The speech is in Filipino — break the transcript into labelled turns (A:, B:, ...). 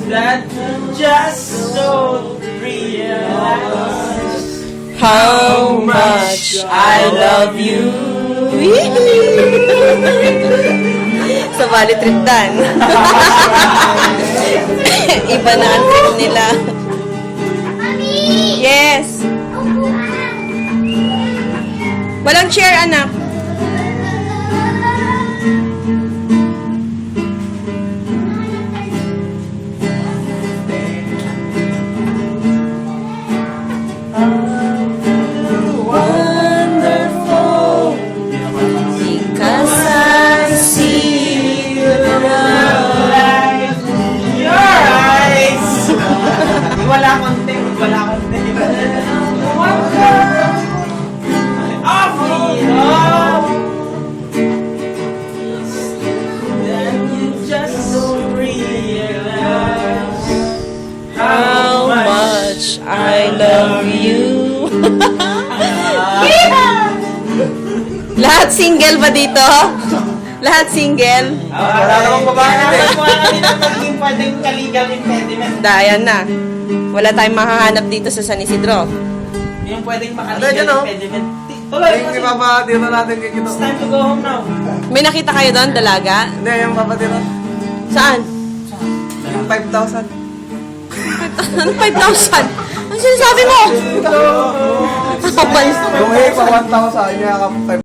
A: that you just don't realize
B: How much I love you. Sa Valley Trip Dan. Iba na ang trip nila. Yes. Walang chair, anak.
A: wonderful
B: Because I see your
A: light in your eyes. Wala konti. That you just don't realize
B: How much I love you. Lahat single ba dito? Lahat single?
A: Wala namang babae. Wala kami na maging pwedeng ka-legal impediment.
B: Dayan na. Wala tayong mahahanap dito sa San Isidro.
A: Yung pwedeng
C: Ano,
A: maka-legal
C: dyan, oh?
A: impediment. Tuloy,
C: Yung ipapatira natin kay Kito.
A: it's time to go home now.
B: May nakita kayo doon, dalaga?
C: Hindi, yung papatira.
B: Saan?
C: Yung 5,000.
B: Ano 5,000? Ano sinasabi mo?
C: Yung hey, pa 1,000 niya ka